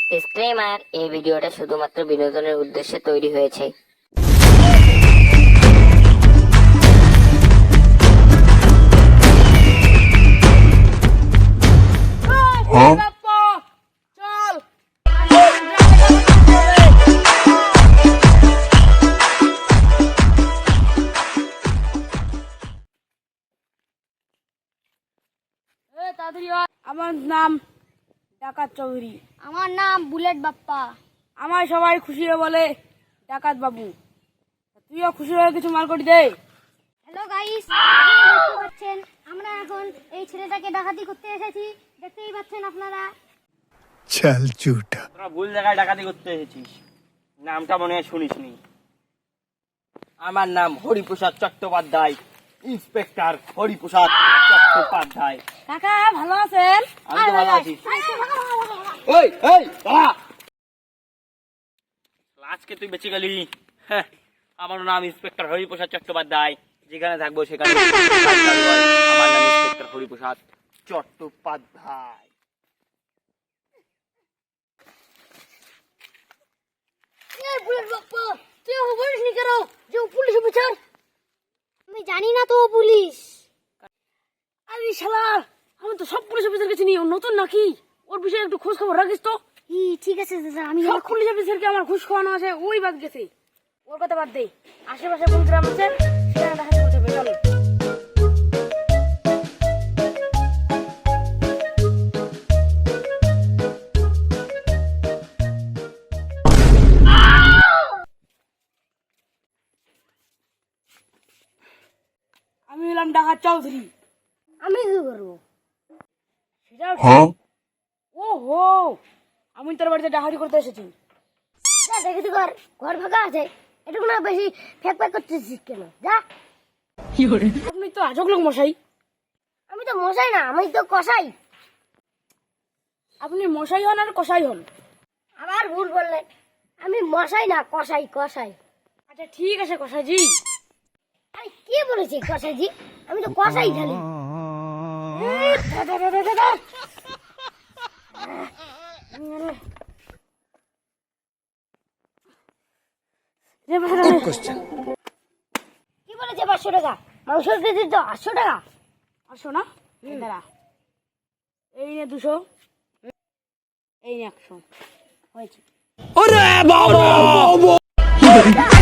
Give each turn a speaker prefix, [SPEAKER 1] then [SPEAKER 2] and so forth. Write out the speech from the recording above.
[SPEAKER 1] Disclaimer, এই ভিডিওটা শুধুমাত্র বিনোদনের উদ্দেশ্যে তৈরি হয়েছে।
[SPEAKER 2] আমার নাম ডাকাত চৌধুরী।
[SPEAKER 3] আমার নাম বুলেট বাপ্পা।
[SPEAKER 2] আমায় সবাই খুশি হয়ে বলে ডাকাত বাবু। তুইও খুশি হয়ে কিছু মাল করে দে।
[SPEAKER 3] হ্যালো গাইস, দেখতে পাচ্ছেন আমরা এখন এই ছেলেটাকে ডাকাতি করতে এসেছি। দেখতেই পাচ্ছেন আপনারা।
[SPEAKER 4] চল ঝুটা,
[SPEAKER 5] তোরা ভুল জায়গায় ডাকাতি করতে এসেছিস। নামটা মনে হয় শুনিসনি। আমার নাম হরিপ্রসাদ চট্টোপাধ্যায়, ইন্সপেক্টর হরিপ্রসাদ চট্টোপাধ্যায়।
[SPEAKER 2] কাকা ভালো আছেন?
[SPEAKER 5] আমি তো ভালো আছি। ওই এই দাঁড়া, আজকে তুই বেঁচে গেলি। হ্যাঁ, আমার নাম ইন্সপেক্টর হরিপ্রসাদ চট্টোপাধ্যায়। যেখানে থাকবো সেখানে আমার নাম ইন্সপেক্টর হরিপ্রসাদ চট্টোপাধ্যায়।
[SPEAKER 3] বুলেট বাপ্পা, তুই বলিসনি কেন যে ও পুলিশ অফিসার? আমি জানি না তো ও পুলিশ।
[SPEAKER 2] আরে শালা, আমি তো সব পুলিশ অফিসারকে চিনি। ও নতুন নাকি? ওর বিষয়ে একটু খোঁজ খবর রাখিস তো।
[SPEAKER 3] ঠিক আছে দাদা, আমি
[SPEAKER 2] সব পুলিশ অফিসারকে আমার ঘুষ খাওয়ানো আছে, ওই বাদ গেছে। ওর কথা বাদ দে, আশেপাশে কোন গ্রাম আছে সেখানে ডাকাতি করতে হবে। চলো। আমি হলাম ডাকাত চৌধুরী।
[SPEAKER 3] আমি কি করবো?
[SPEAKER 2] সেটাও ওহো, আমি তোর বাড়িতে ডাকাতি করতে এসেছি।
[SPEAKER 3] যা দেখে তো ঘর ফাঁকা আছে, এটুকু না বেশি ফ্যাক ফ্যাক করতেছিস কেন? যা।
[SPEAKER 2] আপনি তো আজব লোক মশাই।
[SPEAKER 3] আমি তো মশাই না, আমি তো কসাই।
[SPEAKER 2] আপনি মশাই হন আর কসাই হন।
[SPEAKER 3] আবার ভুল বললেন, আমি মশাই না কসাই, কসাই।
[SPEAKER 2] আচ্ছা ঠিক আছে কসাইজি।
[SPEAKER 3] আরে কে বলেছে কসাইজি? আমি তো কসাই খালি। কি বলেছে 500 টাকা? মাংস কেজি তো 800 টাকা।
[SPEAKER 2] আসো না, দাঁড়া। এই নে 200, এই নে 100 হয়েছে।